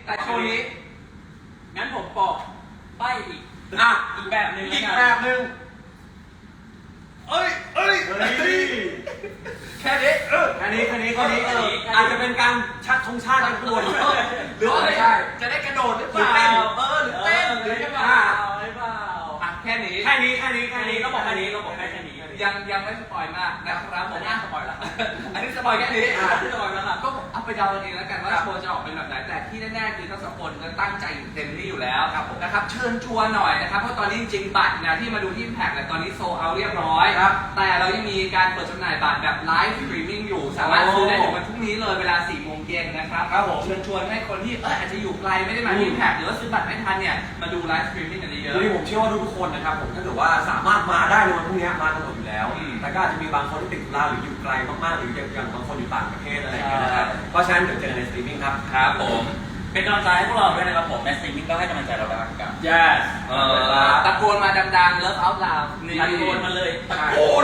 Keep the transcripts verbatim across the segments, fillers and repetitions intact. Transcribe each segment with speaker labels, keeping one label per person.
Speaker 1: แต่โชว์นี้งั้นผมบอกใบอีก
Speaker 2: อ่ะ
Speaker 1: อีกแบบหนึ่ง
Speaker 2: อีกแบบหนึ่งเอ้ยเอ้ยแค่นี้เออแค่นี้แค่นี้แค่นี้เอออาจจะเป็นการชักธงชาติกันตัวหรือว่าไม่ใช่จะได้กระโดดหรือเปล่าเออหรือเต้นหรือยังไง
Speaker 1: หรือเปล่าอ่ะแค่นี้
Speaker 2: แค่นี้แค่นี้แค่นี้
Speaker 1: ต้องบอกแค่นี้ต้องบอกแค่แค่นี้ยังยังไม่สปอยมากนะครับผมอ่ะสปอยแล้วอันนี้สปอยแค่นี้อันนี้สปอยแล้วครับก็เอาไปเดาเองแล้วกันว่าโชว์จะออกเป็นแบบไหนแต่ที่แน่ๆคือทั้งสองคนจะตั้งใจอยู่เต็มที่อยู่แล้วนะครับเชิญชวนหน่อยนะครับเพราะตอนนี้จริงๆบัตรนะที่มาดูที่แพ็คเนี่ยตอนนี้โซลเอาท์เรียบร้อยแต่เรายังมีการเปิดจำหน่ายบัตรแบบไลฟ์สตรีมมิ่งอยู่สามารถซื้อได้ถึงวันพรุ่งนี้เลยเวลาสี่โมงเย็นนะครับเชิญชวนให้คนที่เอออาจจะอยู่ไกลไม่ได้มาที่แพ็คหรือว่าซื้อบัตรไม่ทันเนี่ยมาดูไลฟ์สตรีมมิ่งกันเยอะ
Speaker 2: ๆผมเชื่อว่าทุกคนนะครับผมถ้าเกิดว่าสามารถมาได้ในวันพรุ่งนี้มากันหมดอยู่แล้วแต่ก็อาจจะมีบางคนที่ติดธุระหรืออยู่ไกลมากๆหรืออย่างบางคนอยู่ต่างประเทศอะไรอย่างเงี้ยนะครับเพราะฉะนั้นเดี๋ยวเจอกันในสตรีมมิ่งครับ
Speaker 1: ครับผมเป็นกำลังใจให้พวกเราด้วยนะครับผมในสตรีมมิ่งก็ให้กำลังใจเราได้กัน
Speaker 2: yes
Speaker 1: เออตะโกนมาดังๆเลิฟเอาท์ลาวตะโกนมาเลยตะโกน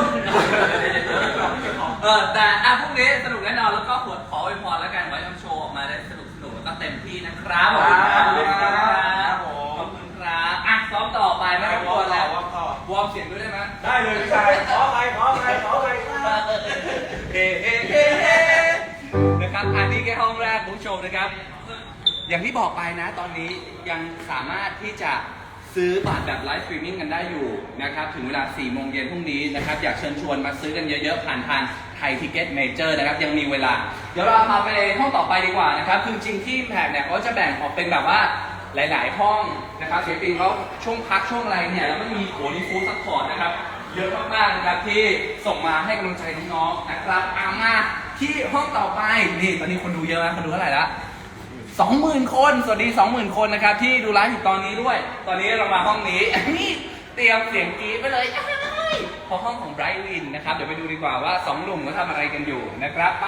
Speaker 1: เออแต่อ่ะพรุ่งนี้สนุกแน่นอนแล้วก็ขอขออวยพรแล้วกันไว้ทำโชว์ออกมาได้สนุกสนุกแล้วก็เต็มที่นะครับขอบคุณครับขอบคุณครับอ่ะซ้อมต่อไปไม่ต้องกลัวแล้ววอร์มเสียงด้วยได้ไหม
Speaker 2: ได้เลยพี่ชายขอไปขอไปขอไป
Speaker 1: เฮ้เฮ้เฮ้เฮ้นะครับอันนี้แค่ห้องแรกคุณผู้ชมนะครับอย่างที่บอกไปนะตอนนี้ยังสามารถที่จะซื้อบัตรแบบไลฟ์สตรีมมิ่งกันได้อยู่นะครับถึงเวลาสี่โมงเย็นพรุ่งนี้นะครับอยากเชิญชวนมาซื้อกันเยอะๆผ่านทางไทยทิเก็ตเมเจอร์นะครับยังมีเวลาเดี๋ยวเราพาไปห้องต่อไปดีกว่านะครับคือจริงที่แพกเนี่ยเขาจะแบ่งออกเป็นแบบว่าหลายๆห้องนะครับศิลปินเขาช่วงพักช่วงอะไรเนี่ยแล้วมันมีโหนี่ฟู้ดซัพพอร์ตนะครับเยอะมากๆนะครับที่ส่งมาให้กำลังใจน้องๆนะครับเอามาที่ห้องต่อไปนี่ตอนนี้คนดูเยอะนะคนดูเท่าไหร่ละสองหมื่นคนสวัสดีสองหมื่นคนนะครับที่ดูไลฟ์อยู่ตอนนี้ด้วยตอนนี้เรามาห้องนี้นี่เตรียมเสียงกรี๊ดไปเลยพอห้องของไบรท์วินนะครับเดี๋ยวไปดูดีกว่าว่าสองหนุ่มเขาทำอะไรกันอยู่นะครับไป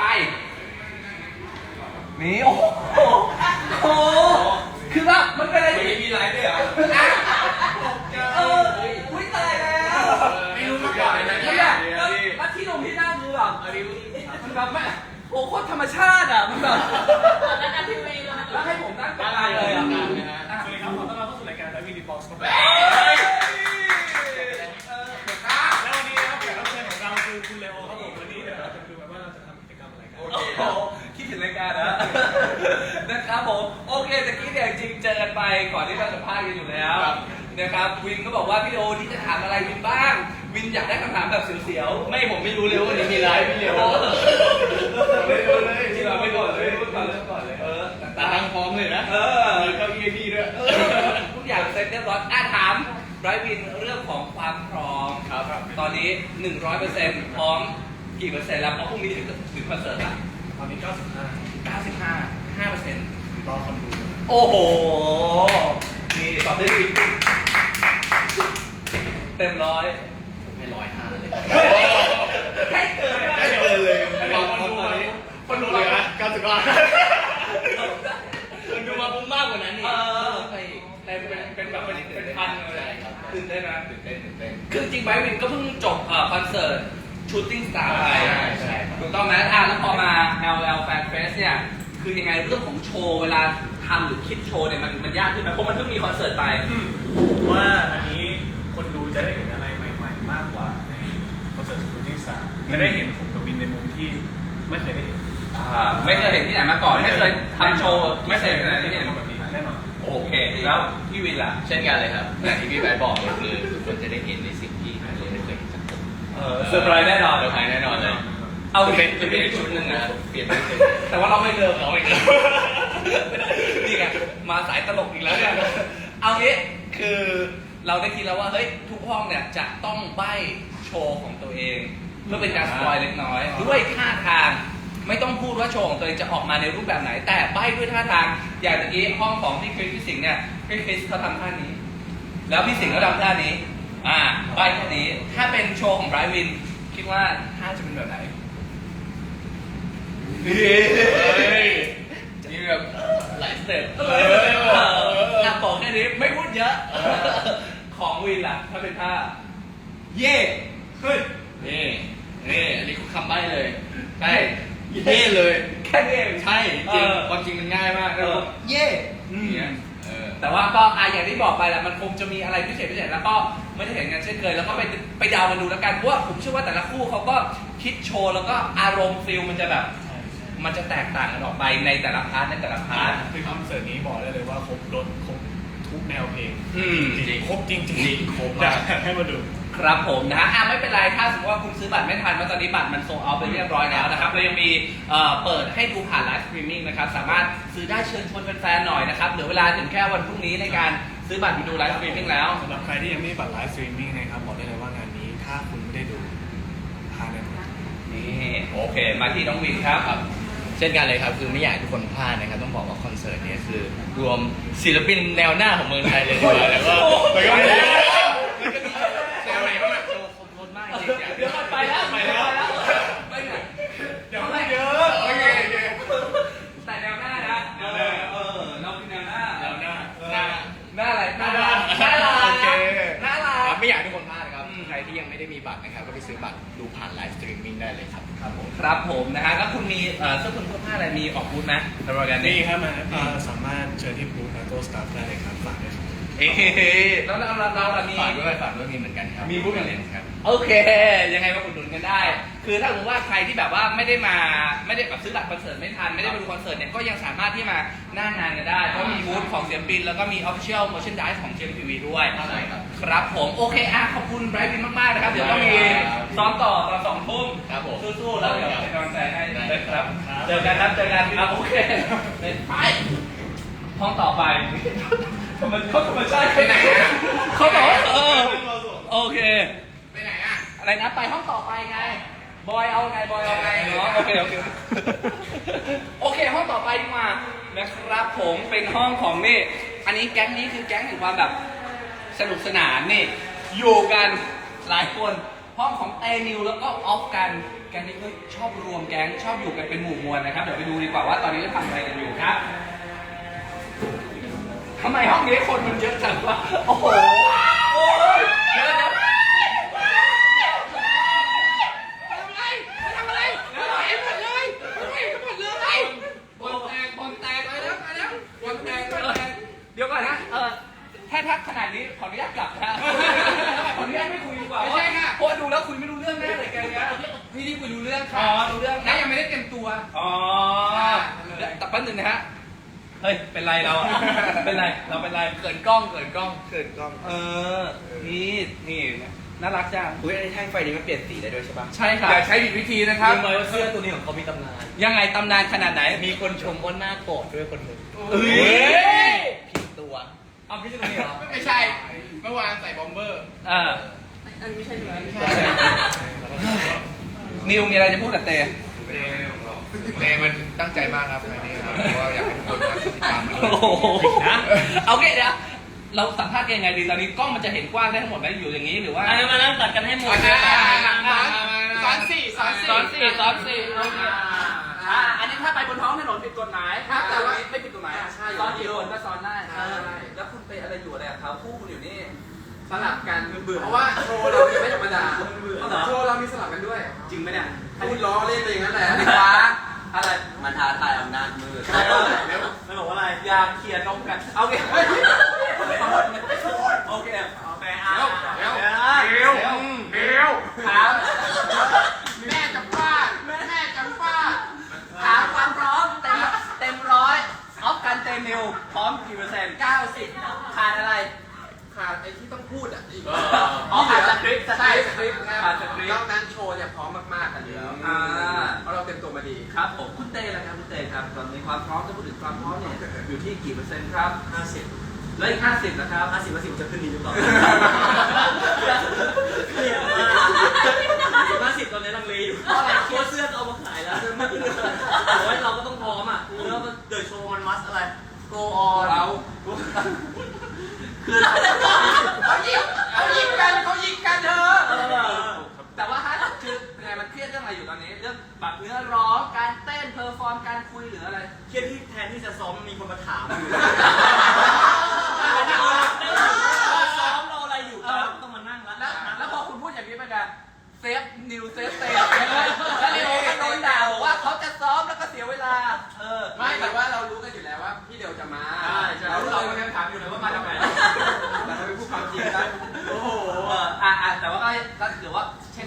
Speaker 1: นี่โอ้โหโอ้คือว่ามันเป็นอะไรที่มีไลฟ์ด้วยเหรอเอออุ้ยตายแล้วไม่รู้มาก่อนเลยนะเนี่ยแล้วที่ลงที่หน้าคือแบบมันแบบไม่โอ้โคตรธรรมชาติอ่ะมันแบบนั่งกันทีวีเลยแล้วให้ผมนั่งกลางเลยอ่ะ
Speaker 3: สวัสดีครับขอต้อนรับเข้าสู่รายการไลฟ์วีดีบ็อกซ์ครับแล้ววันนี้นะครับแขกรับเชิญของเราคือคุณเลโอครับผมวันนี้เดี๋ยวเราจะดูกันว่าเราจะทำกิจกรรมอะไรกัน
Speaker 1: โอ้โหคิดถึงรายการนะนะครับผมโอเคตะกี้เนี่ยจริงเจอกันไปก่อนที่เราจะพากันอยู่แล้วนะครับวินก็บอกว่าพี่โอที่จะถามอะไรวินบ้างวินอยากได้คำถามแบบเสียวๆไม่ผมไม่รู้เลยว่าวันนี้มีไลฟ์พี่เลโอไม่รู้เลยที่เราไม่ก่อนเลยก่อนเริ่มก่อนเลยเออ
Speaker 3: ตาทางพร้อมเลยนะเออมีเก้าอี้พี่ด้วย
Speaker 1: ทุกอย่างเซ็ตเรียบร้อยอ่ะถามไบรท์วินเรื่องของความพร้อมครับตอนนี้ หนึ่งร้อยเปอร์เซ็นต์ พร้อมกี่เปอร์เซ็นต์แล้วเพราะพรุ่งนี้ถึงถึงคอนเสิร์ตละ
Speaker 3: ตอนนี้เก้าสิบห้า
Speaker 1: เก้าสิบห้า ห้าเปอร์เซ็นต์
Speaker 3: รอคนดู
Speaker 1: โอ้โหนี่ตอบได้ดีเต็มร้อย
Speaker 3: ไม่ร้อยห้าเลย
Speaker 1: ให้เกิน
Speaker 3: ให้เกินเลยคนดูมาคนดูเลยนะเก้าสิบห้าคนดูมาปุ๊บมากกว่านั้นนี่
Speaker 1: เป็นเป็นแบบเป็นเป็นพันเลยตื่นเต้นนะ
Speaker 3: ตื่นเต้นตื่นเต้น
Speaker 1: คือจริงไบรท์วินก็เพิ่งจบคอนเสิร์ตชูตติ้งสตาร์ไปถูกต้องไหมอ่ะแล้วพอมา แอล แอล Fan Fest เนี่ยคือยังไงเรื่องของโชว์เวลาทำหรือคิดโชว์เนี่ยมันมันยากขึ้นไหมเพราะมันเพิ่งมีคอนเสิร์ตไป
Speaker 3: ว่าอันนี้คนดูจะได้เห็นอะไรใหม่ๆมากกว่าในคอนเสิร์ตชูตติ้งสตาร์จะได้เห็นผมกับวินในมุมที่ไม่เคยได้เห็น
Speaker 1: ไม่เคยเห็นที่ไหนมาก่อนไม่เคยทำโชว์ไม่เคยเห็นที่ไหน
Speaker 3: แบบนี้แน่นอน
Speaker 1: โอเคแล้วพี่วินล่ะ
Speaker 4: เช่นกันเลยครับอย่างที่พี่ไบร์ทบอกเลยคือทุกคนจะได้เห็นในสิ่งที่เราไม่เคยเห็นจากผม
Speaker 1: เออเซอร์ไพรส์แน่นอน
Speaker 4: เซอร์ไพรส์แน่นอนเลย
Speaker 1: เอา
Speaker 4: เป็นจะเป็นอีกชุดหนึ่งนะเปลี่ยนไม่ถึง
Speaker 1: แต่ว่าเราไม่เลิกเราไม่เลิกนี่ไงมาสายตลกอีกแล้วเนี่ยเอางี้คือเราได้คิดแล้วว่าเฮ้ยทุกห้องเนี่ยจะต้องใบ้โชว์ของตัวเองเพื่อเป็นการสปอยเล็กน้อยด้วยท่าทางไม่ต้องพูดว่าโชว์ของตัวเองจะออกมาในรูปแบบไหนแต่ใบ้ด้วยท่าทางอย่างเมื่อกี้ห้องของพี่คริสพี่สิงห์เนี่ยพี่คริสเขาทำท่านี้แล้วพี่สิงห์ก็ทำท่านี้อ่าใบ้ท่านี้ถ้าเป็นโชว์ของไบรท์วินคิดว่าท่าจะเป็นแบบไหน
Speaker 4: จะมีแบบหลายสเต็ป
Speaker 1: อ่ะบอกแค่นี้ไม่พูดเยอะของวินล่ะถ้าเป็นท่าเย่เฮ้ย
Speaker 4: นี่นี่อันนี้คือคำใบ้เลยใช่เย่เลย
Speaker 1: แค่นี้เอง
Speaker 4: ใช่จริงความจริงมันง่ายมาก
Speaker 1: เย่อืม
Speaker 4: เนี่ยเออ
Speaker 1: แต่ว่าก็อ่ะอย่างที่บอกไปแหละมันคงจะมีอะไรพิเศษพิเศษแล้วก็ไม่ได้เห็นกันเช่นเคยแล้วก็ไปไปเดากันดูแล้วกันเพราะว่าผมเชื่อว่าแต่ละคู่เขาก็คิดโชว์แล้วก็อารมณ์ฟิลมันจะแบบ
Speaker 3: ใช่ใช่
Speaker 1: มันจะแตกต่างกันออกไปในแต่ละพาร์ทในแต่ละพาร์ท
Speaker 3: คือคอนเสิร์ตนี้บอกได้เลยว่าครบรถครบทุกแนวเพลง
Speaker 1: อืม
Speaker 3: จริงๆครบจริงๆ
Speaker 4: จริงครบ
Speaker 3: อยาม
Speaker 4: าก
Speaker 3: กให้มาดู
Speaker 1: ครับผมนะฮะอ่ะไม่เป็นไรถ้าสมมติว่าคุณซื้อบัตรไม่ทันเพราะตอนนี้บัตรมันโซลเอาท์ไปเรียบร้อยแล้วนะครับเรายังมีเอ่อเปิดให้ดูผ่านไลฟ์สตรีมมิ่งนะครับสามารถซื้อได้เชิญชวนแฟนๆหน่อยนะครับเหลือเวลาถึงแค่วันพรุ่งนี้ในการซื้อบัตรไปดูไลฟ์สตรีมมิ่งแล้ว
Speaker 3: สำหรับใครที่ยังไม่มีบัตรไลฟ์สตรีมมิ่งนะครับบอกได้เลยว่างานนี้ถ้าคุณไม่ได้ดูพลาดแน่นอน
Speaker 1: นี่โอเค มาที่น้องวินครับ
Speaker 4: ครับเช่นกันเลยครับคือไม่อยากให้ทุกคนพลาดนะครับต้องบอกว่าคอนเสิร์ตเนี้คือรวมศิลปินแนวหน้าของเมืองไทยเลยดีกว่าแล้วก็แล้วก็มีแล้วก็มีแนวไหนบ้างอะโชว์ครบรถมากจริงๆ
Speaker 1: เดี๋ยวก่อนไปแล้ว
Speaker 3: ไปแล้ว
Speaker 1: ไปไหน
Speaker 3: เดี๋ยวไม่เยอะโอเคโอเค
Speaker 1: แต่แนวหน้านะเออเออเราเป็นแนวหน้า
Speaker 3: แนวหน้า
Speaker 1: หน้าหน้าอะไร
Speaker 3: หน้าด้าน
Speaker 1: หน้าลา
Speaker 3: โอเค
Speaker 1: หน้าลา
Speaker 4: ครับไม่อยากให้ทุกคนพลาดนะครับ
Speaker 1: อืม
Speaker 4: ใครที่ยังไม่ได้มีบัตรนะครับก็ไปซื้อบัตรดูผ่านไลฟ์สตรีมมิ่งได้เลยครับครับผม
Speaker 1: ครับผมนะฮะแล้วคุณมีเอ่อเสื้อคลุมเสื้อผ้าอะไรมีออกบูธไหมในรายการ
Speaker 3: นี่
Speaker 1: นี้
Speaker 3: ครับมาเอ่อสามารถเชิญที่บูธนาโต้สตาฟได้เลยครับฝากด้วยครับ
Speaker 1: เอ๊ะแล้วเราเราเราเรามี
Speaker 4: ฝากด้วยฝากด้วยมีเหมือนกันครับ
Speaker 1: มีบูธอย่าง
Speaker 4: เล
Speaker 1: ไร
Speaker 4: นครับ
Speaker 1: โอเค ยังไงมาอุดหนุนกันได้ คือถ้าสมมติว่าใครที่แบบว่าไม่ได้มาไม่ได้แบบซื้อบัตรคอนเสิร์ตไม่ทันไม่ได้มาดูคอนเสิร์ตเนี่ยก็ยังสามารถที่มาหน้างานกันได้เพราะมีบูธของเสียงปินแล้วก็มี Official Merchandise ของ เจ เอ็ม ที วี ด้วย
Speaker 4: ใช่ครับ
Speaker 1: ครับผมโอเคอ่ะขอบคุณไบรท์วินมากๆนะครับเดี๋ยวต้องมีซ้อมต่อตอนสองทุ่ม
Speaker 4: ครับผม
Speaker 1: สู้ๆแล้วเดี๋ยวเป็นกำลังใจให้
Speaker 4: ได้
Speaker 1: เลยครับ
Speaker 3: ครับ
Speaker 1: เจอกันครับเจอกันครับโอเคไปห้องต่อไปธรรมเขาธรรมชาติไปไหนเขาบอกว่าเออโอเค
Speaker 4: ไปไหนอ่ะ
Speaker 1: อะไรนะไปห้องต่อไปไง บอยเอาไงบอยเอาไงเนาะโอเคโอเคโอเคห้องต่อไปดีกว่านะครับผมเป็นห้องของนี่อันนี้แก๊งนี้คือแก๊งแห่งความแบบสนุกสนานนี่อยู่กันหลายคนห้องของเตนิวแล้วก็ออฟกันแก๊งนี้ก็ชอบรวมแก๊งชอบอยู่กันเป็นหมู่มวลนะครับเดี๋ยวไปดูดีกว่าว่าตอนนี้จะทำอะไรกันอยู่ครับทำไมห้องนี้คนมันเยอะจังวะโอ้โหโอ้ยเยอะนะเดี๋ยวก่อนนะ เออถ้าทักขนาดนี้ขออนุญาตกลับนะขออนุญาตไม่คุยดีกว่า
Speaker 2: ไม่ใช่ค่ะ
Speaker 1: เพราะดูแล้วคุยไม่รู้เรื่องแน่เลยแกเนี้ย
Speaker 2: พี่ที่คุยรู้เรื่อง
Speaker 1: อ๋
Speaker 2: ค่ะ
Speaker 1: อรู้เรื่อง
Speaker 2: และยังไม่ได้เต็มตัว
Speaker 1: อ๋อแต่แป๊บนึงนะฮะ เฮ้ย เป็นไรเราอะเป็นไร เราเป็นไร
Speaker 4: เขินกล้องเขินกล้องเขินกล้อง
Speaker 1: เออ นี่นี่น่ารักจัง
Speaker 2: อุ้ยไอ้แท่งไฟนี้มันเปลี่ยนสีได้ด้วยใช่ปะ
Speaker 1: ใช่ครับ
Speaker 2: อย่าใช้ผิดวิธีนะครับ
Speaker 4: รู้ไหมว่าเสื้อตัวนี้ของเขามีตำนาน
Speaker 1: ยังไงตำนานขนาดไหน
Speaker 4: มีคนชมว่าหน้าโกรธด้วยคนหนึ่ง
Speaker 1: เฮ้ย
Speaker 4: ผิดตัวเอาไม่ใช่ตัวนี้เหรอ
Speaker 2: ไม่ใช่ เมื่อวานใส่บอมเบอร์
Speaker 1: อ่า
Speaker 2: อันนี้ไม่ใช่เลยไม่ใช่
Speaker 1: นิวมีอะไรจะพูดกับเต
Speaker 4: เนมันตั้งใจมากครับอันนี้ครับเพราะว่าอยากให้ทุกคนมาติดตามมันด้วย
Speaker 1: โอ้โหนะเอาโอเคเดี๋ยวเราสัมภาษณ์กันยังไงดีตอนนี้กล้องมันจะเห็นกว้างได้ทั้งหมดไหมอยู่อย่างนี้หรือว่า
Speaker 5: อันนี้มานั่งตัดกันให้หมด
Speaker 2: โอเค
Speaker 5: นะ
Speaker 2: สอนสี่สอนสี่
Speaker 1: สอนสี่สอนสี่โอเคอ่าอันนี้ถ้าไปบนท้องถนนผิดกฎหมาย
Speaker 2: ครับแต่ว่า
Speaker 1: ไม่ผิดกฎหมาย
Speaker 2: ใช่
Speaker 1: ซ้อนกี่คนก็ซ้อนได้
Speaker 2: ใช่
Speaker 1: แล้วคุณไปอะไรอยู่อะไรกับเขาคู่คุณอยู่นี่
Speaker 2: สลับกันเพราะว่าโชว์เราไม่ธรรมดา
Speaker 1: เอาเหรอ
Speaker 2: โชว์เรามีสลับกันด้วย
Speaker 1: จริงไหมเนี่ย
Speaker 2: พูดล้อเล่นไปอย่างนั้นแหละ
Speaker 1: อันนี้ฟ้าอะไร
Speaker 5: มันท้าทายอำนาจมืด
Speaker 1: เออ
Speaker 5: ไม่บอกว่าอะไร
Speaker 1: อยาเขียนนมกันเอาโอเคโอเคเอาไปอ่ะ
Speaker 2: เดี๋ยว
Speaker 1: เดี๋ยว
Speaker 2: เดี๋ยว
Speaker 1: เดี๋ยวถาม
Speaker 2: แม่จะฟาดแม่จะฟาด
Speaker 1: ถามความพร้อมเต็มเต็มร้อยออฟกันเต็มนิวพร้อมกี่เปอร์เซ็นต์เก้าสิบขาดอะไร
Speaker 2: ขาดไอ้ที่ต้องพูดอ่ะอีก
Speaker 1: อ๋อขาดสคริปต์
Speaker 2: ใช่สคริปต์นะ
Speaker 1: ขาดสคริป
Speaker 2: นอ
Speaker 1: ต์
Speaker 2: กนั้นโชว์เนี่ยพร้อมมากๆกันอยู่แล้ว
Speaker 1: อ่า
Speaker 2: เพราะเราเต็มตัวมาดี
Speaker 1: ครับผมคุณเต้ละครับคุณเต้ครับตอนนี้ความพร้อมถ้าพูดถึงความพร้อมเนี่ยอยู่ที่กี่เปอร์เซ็นต์ครับห้าสิบแล้วอีกห้าสิบนะครับห้าสิบเปอร์เซ็นต์จะขึ้นดีหรือเปล่า
Speaker 5: ห้าสิบตอนนี้ลังเลอยู่เพราะอะไรตัวเสื้อเอามาขายแล้วโอ้ยเราก็ต้องพร้อมอ่ะแล้วเดินโชว์มันมัสอะไร
Speaker 1: go on
Speaker 2: เรา
Speaker 1: คือ
Speaker 2: เขายิงเขายิงกันเขายิงกันเธอ
Speaker 1: เออแต่ว่าฮะคือไงมันเครียดเรื่องอะไรอยู่ตอนนี้เรื่องแบบเนื้อร้องการเต้นเพอร์ฟอร์มการคุยหรืออะไร
Speaker 5: เครียดที่แทนที่จะซ้อมมีคนมาถามอยู่ซ้อมเราอะไรอยู่ต้องมานั่ง
Speaker 1: แล้ว
Speaker 5: แล้ว
Speaker 1: แล้วพอคุณพูดอย่างนี้ไปกันเซฟนิวเซฟเตะแล้วนิวก็โดนด่าบอกว่าเขาจะซ้อมแล้วก็เสียเวลาเออ
Speaker 2: ไม่แต่ว่าเรารู้กันอยู่แล้วว่าพี่เดียวจะมา
Speaker 1: ใช่ใช่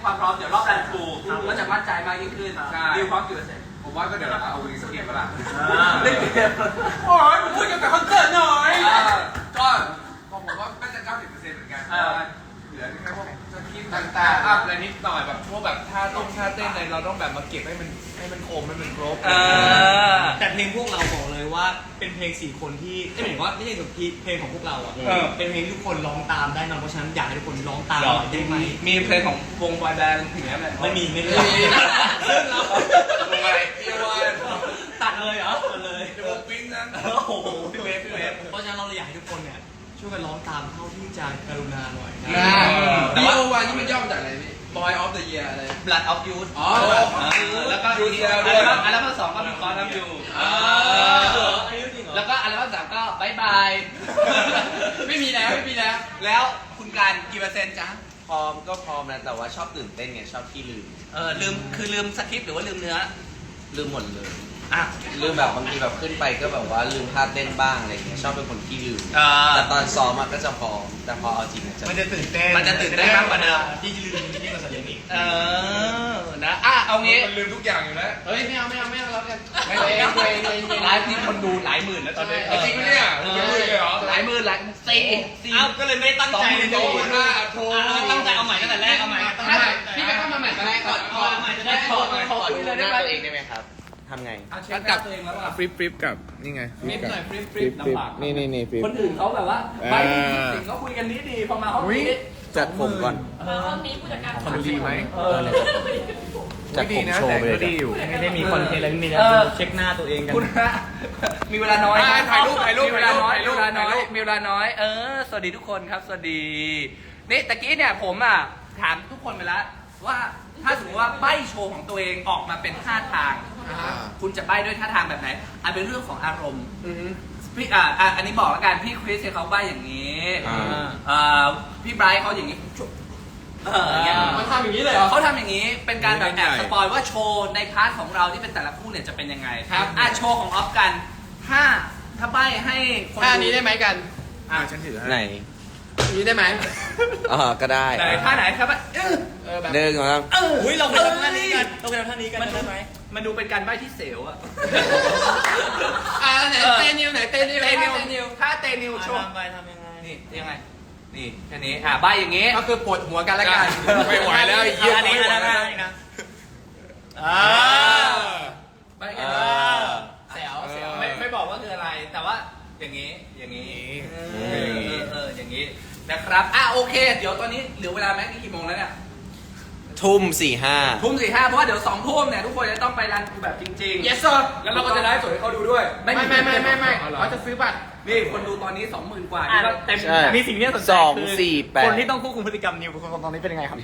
Speaker 1: ความพร้อมเดี๋ยวรอบรันทรูก็จะมั่นใจมากยิ่งขึ้นดิวพร้อมกี่เปอร์เซ็นต์
Speaker 2: ผมว่าก็เดี๋ยวเราเอาวีสเกตมาละ
Speaker 1: เล่นเกม
Speaker 2: โอ้ยพูดเกี่ยวกับคอนเสิร์ตหน่อยก็ผมว่าน่าจะเก้าสิบเปอร์เซ็นต์เหมือนกันเหลือแค่พวกสคริปต์ต่างๆอัพอะไรนิดหน่อยแบบพวกแบบท่าต้งท่าเต้นอะไรเราต้องแบบมาเก็บให้มันให้มันคมให้มันครบ
Speaker 5: แต่เพลงพวกเราบอกเลยว่าเป็นเพลงสี่คนที่ไม่หมายถึงว่าไม่ใช่แบบเพลงของพวกเราอ่ะเป็นเพลงที่ทุกคนร้องตามได้นะเพราะฉะนั้นอยากให้ทุกคนร้องตามหน่อยได้ไหม
Speaker 1: มีเพลงของวงบอยแบนด์ถึงไหม
Speaker 5: ไม่มีไม่มี
Speaker 2: ซึ่งเราวงอะไรพี่วอน
Speaker 5: ตัดเลยเหรอตัดเลย
Speaker 2: วงปิ้งนั้น
Speaker 5: โอ้โหพี่เวฟพี่เวฟเพราะฉะนั้นเราเลยอยากให้ทุกคนเนี่ยช่วยกันร้องตามเท่าที่จะกรุณาหน่อยนะ
Speaker 2: แต่ว่าวันนี้มันย่อมาจากอะไรพี่ Boy of the Year อะไร
Speaker 1: Blood of Youth
Speaker 2: อ๋อ
Speaker 1: แล้วก็
Speaker 2: ยู
Speaker 1: อี
Speaker 2: เซี
Speaker 1: ก
Speaker 2: ย
Speaker 1: อั
Speaker 2: ด้
Speaker 1: ล
Speaker 2: วย
Speaker 1: บั้มอัลบั้มสองก็มีคอร์ทำอยู่
Speaker 5: เอออันนี้จริงเหรอ
Speaker 1: แล้วก็อัลบั้มสามก็บายบาย ไม่มีแล้วไม่มีแล้ว แล้วคุณการกี่เปอร์เซ็นต์จ๊ะ
Speaker 6: พร้อมก็พร้อมนะแต่ว่าชอบตื่นเต้นไงชอบที่ลืม
Speaker 1: เออลืมคือลืมสคริปต์หรือว่าลืมเนื้อ
Speaker 6: ลืมหมดเลย
Speaker 1: อ่ะ
Speaker 6: ลืมแบบบางทีแบบขึ้นไปก็แบบว่าลืมท่าเต้นบ้างอะไรอย่างเงี้ยชอบเป็นคนที่ลืม
Speaker 1: อ่า
Speaker 6: แต่ตอนซ้อมอะก็จะพร้อมแต่พอเอาจริงอะจะ
Speaker 3: มันจะตื่นเต้น
Speaker 1: มันจะตื่นเต้นมากกว่าเดิม
Speaker 3: ที่ลืมที่กว่าสัญญาอีก
Speaker 1: เออนะอ่ะเอางี้
Speaker 2: มันลืมทุกอย่างอยู่แล้ว
Speaker 1: เฮ้ยไม่เอาไม่เอาไม่เอาแล้วกันไม่เอาไม่เอาไลฟ์นี่คนดูหลายหมื่นแล้วตอนนี้
Speaker 2: จริงปะเนี่ย
Speaker 1: เอ
Speaker 2: เป็นหมื่นเลยเหรอ
Speaker 1: หลายหมื่นหลายสี่สี่
Speaker 5: เอ้าก็เลยไม่ได้ตั้งใจเลย
Speaker 2: โอ้โหห้าโทร
Speaker 5: ตั้งใจเอาใหม่ตั้งแต่แรกเอาใหม่ตั้งใจ
Speaker 1: พี่ไปเข้ามาใหม่ก็ได้ก่อน
Speaker 5: เอาใหม่จะได้
Speaker 1: ขอขอคุยเลยได้ไหม
Speaker 6: ตัวเองได้ไหมครับทำไง
Speaker 1: เช็คกับตัวเองแล้วอ่ะ
Speaker 2: ฟลิปฟลิปกับนี่ไง
Speaker 1: ฟลิปหน่อยฟลิปฟลิปลำบาก
Speaker 6: นี่นี่นี่ฟิป
Speaker 1: คนอื่นเขาแบบว่าไปสิ่งเขาคุยกันนี้ดีพอมาห้องนี้
Speaker 6: จัดผมก่อน
Speaker 7: ห้องนี้ผู้จัดการ
Speaker 2: คนดีไหม
Speaker 1: เออ
Speaker 6: จัดผมโชว์ไปเลย
Speaker 2: ก็ดีอยู่
Speaker 5: ไม่ได้มีคอนเทนต์อะไรไม่มีนะเช็คหน้าตัวเองกัน
Speaker 1: คุณฮะมีเวลาน้อย
Speaker 2: อ่าถ่ายรูปถ่ายรูป
Speaker 1: มีเวลาน้อย
Speaker 2: ถ่ายรู
Speaker 1: มี
Speaker 2: ป
Speaker 1: เวลาน้อย
Speaker 2: ถ่ายรูป
Speaker 1: มีเวลาน้อย เออ สวัสดีทุกคนครับ สวัสดี นี่ตะกี้เนี่ยผมอ่ะถามทุกคนไปแล้วว่าถ้าสมมติว่าใบ้โชว์ของตัวเองออกมาเป็นท่าทาง คุณจะใบ้ด้วยท่าทางแบบไหนอันเป็นเรื่องของอารมณ์พี่อ่าอ่ะอันนี้บอกแล้วกันพี่คริสเนี่ยเขาใบ้อย่างนี้
Speaker 2: อ่า
Speaker 1: อ่าพี่ไบรท์เขาอย่างนี้เอออย่างเงี้ย
Speaker 5: มันทำอย่างนี้เลยเหรอ
Speaker 1: เขาทำอย่างนี้เป็นการแบบแอบสปอยว่าโชว์ในพาร์ทของเราที่เป็นแต่ละคู่เนี่ยจะเป็นยังไงครับอ่ะโชว์ของออฟกันถ้าถ้าใบ้ให้คนดูนี้ได้ไหมกัน
Speaker 2: อ่าฉันถือให้
Speaker 6: ไหน
Speaker 1: นี้ได้ไหม
Speaker 6: อ๋อก็ได้
Speaker 1: ไหนท่าไหนครับเออเออแบบ
Speaker 6: เดินก่อนครับ
Speaker 1: เออ
Speaker 5: อุ้ยเราไปทำท่านี้กันเราไปทำท่านี้กัน
Speaker 1: มันดู
Speaker 5: ได้ไหม
Speaker 1: มันดูเป็นการใบ้ที่เสียวอะ
Speaker 5: อ่าไหนเตนิวไหนเตนิว
Speaker 1: เตนิวถ้าเตนิวโชว์
Speaker 5: ทำไปทำยังไง
Speaker 1: นี่ยังไงนี่แค่นี้อ่ะใบ้อย่างงี้
Speaker 5: ก็คือปวดหัวกันแล้วกัน
Speaker 2: ไม่ไหวแล้วไอ้เหี้ย
Speaker 5: อันนี้
Speaker 2: ไม่ไหว
Speaker 5: อัน
Speaker 2: แล้ว
Speaker 5: นี้นะอ่า
Speaker 1: ใบ้แค่
Speaker 6: เอ
Speaker 1: นี้
Speaker 6: อ
Speaker 1: เสียวเสียวไม่ไม่บอกว่าคืออะไร แต่ว่าอย่างงี้อย่างงี้เออเออเอออย่างงี้นะครับอ่ะโอเค เดี๋ยวตอนนี้เหลือเวลาแม็กนี่กี่โมงแล้วเนี่ย
Speaker 6: ทุ่มสี่ห้า
Speaker 1: ทุ่มสี่ห้าเพราะว่าเดี๋ยวสองทุ่มเนี่ยทุกคนจะต้องไปรันแบบจริงๆ
Speaker 5: yes sir
Speaker 1: แล้วเราก็จะได้สดให้เขาดูด้วย
Speaker 5: ไม่ไม่ไม่ไม่ไม่เขาจะซื้อบัตร
Speaker 1: นี่คนดูตอนนี้สองหมื่นกว่า
Speaker 5: อ่ะ
Speaker 1: นี่ก็
Speaker 5: เต็ม
Speaker 6: ใช่
Speaker 5: มีสิ่งที่น่าสนใจ
Speaker 6: สอง
Speaker 5: คือ
Speaker 6: สี่แปด
Speaker 5: คนที่ต้องควบคุมพฤติกรรมนิวคนตอนนี้เป็นยังไงครับ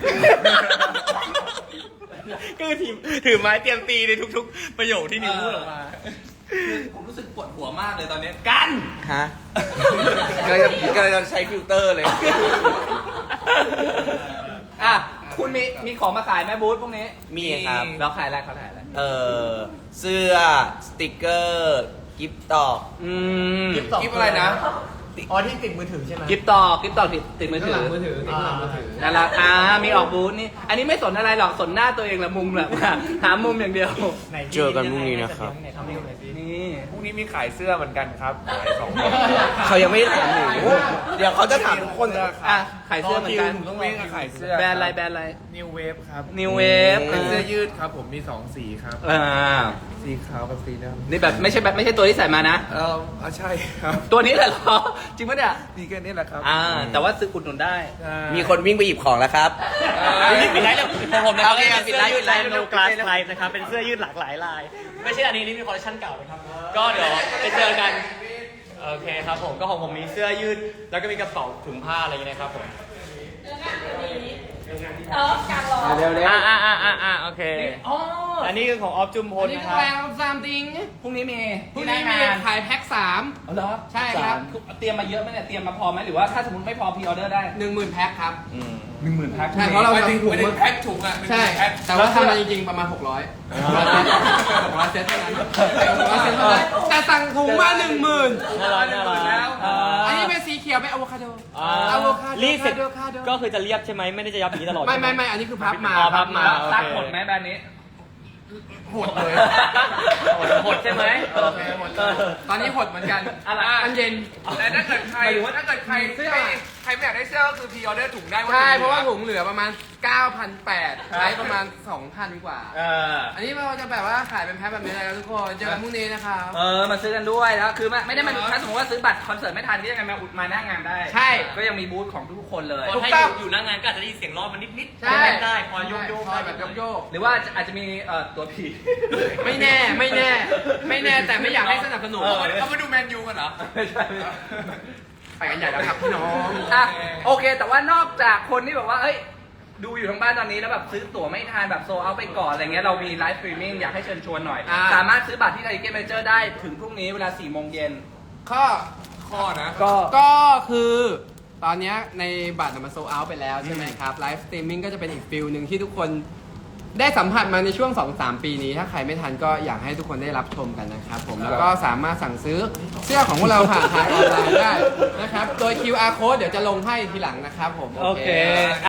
Speaker 5: ก็คือถือถือไม้เตรียมตีในทุกๆ ประโยคที่นิวพูดออกมา
Speaker 1: คือผมรู้สึกปวดหัวมากเลยตอนนี้กัน
Speaker 6: ฮะก็จะก็จะใช้ฟิลเตอร์เลย
Speaker 1: อ่ะคุณมีมีของมาขายไหมบูธพวกนี้
Speaker 6: มีครับ
Speaker 1: แล้วขายอะไรเขาขายอะไร
Speaker 6: เออเสื้อสติกเกอร์กิฟต์ตอก
Speaker 1: อืม
Speaker 5: กิฟต์ต่อ
Speaker 1: กิฟอะไรนะ
Speaker 5: อ๋อที่ติดมือถือใช่ไหม
Speaker 1: กิฟต่อกิฟต่อติดติดมือถือ
Speaker 5: มือถือติดหลังมือถือ
Speaker 1: นั่นแหละอ่ามีออกบูธนี่อันนี้ไม่สนอะไรหรอกสนหน้าตัวเองแหละมุมแบบหามุมอย่างเดียว
Speaker 5: ไห
Speaker 6: เจอกันพรุ่งนี้นะครับ
Speaker 5: ไหนทำให้ดูหน่อยสิ
Speaker 1: นี่
Speaker 2: พรุ่งนี้มีขายเสื้อเหมือนกันครับขายสอง
Speaker 6: เขายังไม่ได้ถามหนูเดี๋ยวเขาจะถามทุกคน
Speaker 1: อ่ะขายเสื้อเหมือนกัน
Speaker 5: ต้องรอ
Speaker 2: วิ่ง
Speaker 5: คิว
Speaker 2: ขายเสื้อ
Speaker 1: แบรนด์อะไรแบรนด์อะไร
Speaker 2: นิวเวฟครับ
Speaker 1: New Wave
Speaker 2: เป็นเสื้อยืดครับผมมีสองสีครับ
Speaker 1: อ่า
Speaker 2: สีขาวกับสีดำ
Speaker 1: นี่แบบไม่ใช่แบบไม่ใช่ตัวที่ใส่มานะ
Speaker 2: เอออ่ะใช่ครับ
Speaker 1: ตัวนี้แหละเหรอจริงปะเนี่ย
Speaker 2: มีแค่นี้แหละครับ
Speaker 1: อ่า แต่ว่าซื้ออุดหนุนได้
Speaker 2: ใช่
Speaker 6: มีคนวิ่งไปหยิบของแล้วครับ
Speaker 5: นี่ปิดไลฟ์แล้วของผมนะครับ
Speaker 1: โอเค
Speaker 5: เป็น
Speaker 1: ปิด
Speaker 5: เสื้
Speaker 1: ไล
Speaker 5: อ
Speaker 1: ฟ์
Speaker 5: ยืดลาย
Speaker 1: ปิดไลฟ์
Speaker 5: โนกลาสไลฟ์นะครับ เป็นเสื้อยืดหลากหลายลาย ไม่ใช่อันนี้นี่มีคอลเลคชันเก่านะครับ ก็เดี๋ยวไปเจอกัน โอเคครับผม ก็ของผมมีเสื้อยืด แล้วก็มีกระเป๋าถุงผ้าอะไรอย่างเงี้ยนะครับผม
Speaker 7: เออกลางรอ
Speaker 1: เดี๋ยวเดี๋ยว
Speaker 5: อ่าอ่าอ่าอ่าอ่าโอเค
Speaker 1: อ๋อ
Speaker 5: อันนี้คือของออฟจุมพล
Speaker 1: นี่
Speaker 5: นะ
Speaker 1: คื
Speaker 5: ค
Speaker 1: อ
Speaker 5: รับ
Speaker 1: แรงซามติงพรุ่งนี้มี
Speaker 5: พรุ่งนี้มีขายแพ็คสาม
Speaker 1: เอาเหรอ
Speaker 5: ใช่ครับ
Speaker 1: เตรียมมาเยอะไหมเนี่ย เตรียมมาพอไหมหรือว่าถ้าสมมติไม่พอพรีออเดอร์ได้
Speaker 5: หนึ่งหมื่นแพ็คครับ
Speaker 1: หนึ่งหมื่นแพ็ค
Speaker 5: ใช่เพราะเรา
Speaker 2: ไม่ถึง
Speaker 5: ทำถุง
Speaker 2: ไม่ถึงแพ็คถุงอ่ะ
Speaker 5: ใช่
Speaker 2: แพ็ค
Speaker 5: แต่ว่าทำมาจริงๆประมาณหกร้อยหกร้อยเซตเท่านั้นหกร้อยเซตเท่านั้นแต่สั่งถุงมาหนึ่งหมื่น
Speaker 1: น่ารักน่ารักแล้ว
Speaker 5: อันนี้เป็นสีเขียวเป็น
Speaker 8: อะโวคาโด
Speaker 5: อ่า
Speaker 8: อะโวคาโด
Speaker 5: รีดเสร็จ
Speaker 8: อะโวคาโด
Speaker 5: ก็คือจะเรียบใช่ไหมไม่ได้จะยับอย่างนี้ตลอด
Speaker 8: ไม่ไม่ไม่อันนี้คือพับมา
Speaker 5: อ๋อพับมา
Speaker 1: รักหดไหมแบรนด์นี้
Speaker 8: หดเลย
Speaker 5: หดใช่ไหม
Speaker 8: โอเคหดเลยตอนนี้หดเหมือนกัน
Speaker 5: อะไร
Speaker 8: อันเย็น
Speaker 2: แต่ถ้าเกิดใครถ้าเกิดใครไม่ใครไม่อยากได้เสื้อก็คือพรีออเดอร์ถุงได้
Speaker 8: ใช่ เพราะว่าถุงเหลือประมาณ เก้าพันแปดร้อยใช้ประมาณ สองพัน กว่า
Speaker 1: เออ
Speaker 8: อันนี้เราจะแบบว่าขายเป็นแพ็คแบบนี้เลยนะทุกคน เจอกันพรุ่งนี้นะครับ
Speaker 1: เออ มาซื้อกันด้วยแล้ว คือไม่ไม่ได้มาถ้าสมมติว่าซื้อบัตรคอนเสิร์ตไม่ทันก็ยังไงมาอุดมาหน้างานได้
Speaker 8: ใช่
Speaker 1: ก็ยังมีบูธของทุกๆคนเลย
Speaker 5: คนให้อยู่อยู่หน้างานก็อาจจะได้ยินเสียงร้อนมันนิดๆ
Speaker 8: ใช่
Speaker 5: เล่นได้พอโยกโยก
Speaker 8: พอแบบโยก
Speaker 1: หรือว่าอาจจะมีเอ่อตัวผี
Speaker 8: ๆไม่แน่ ไม่แน่ ไม่แน่ แต่ไม่อยากให้สนับสนุน
Speaker 1: เออ
Speaker 2: เขามาดูแมนยูกันเหรอ
Speaker 1: ไม่ใช่ไม่ใช่
Speaker 8: ไปกันใหญ่แล้วครับพี่น้อง
Speaker 1: อ่ะโอเค แต่ว่านอกจากคนที่แบบว่าเอ้ย ดูอยู่ทางบ้านตอนนี้แล้วแบบซื้อตั๋วไม่ทันแบบโซเอาไปก่อนอะไรเงี้ยเรามีไลฟ์สตรีมมิ่งอยากให้เชิญชวนหน่อย
Speaker 8: อ่า
Speaker 1: สามารถซื้อบัตรที่ไทเก็ตเมเจอร์ได้ถึงพรุ่งนี้เวลาสี่โมงเย็น
Speaker 8: ข้อ
Speaker 2: ข้อนะ
Speaker 1: ก็
Speaker 8: ก็คือตอนเนี้ยในบัตรมันโซเอาไปแล้วใช่ไหมครับไลฟ์สตรีมมิ่งก็จะเป็นอีกฟิลหนึ่งที่ทุกคนได้สัมผัสมาในช่วง สองสาม ปีนี้ ถ้าใครไม่ทันก็อยากให้ทุกคนได้รับชมกันนะครับผมแล้วก็สามารถสั่งซื้อเสื้อของพวกเราผ่านทางออนไลน์ได้นะครับ โดย คิว อาร์ code เดี๋ยวจะลงให้ทีหลังนะครับผม
Speaker 5: โอเค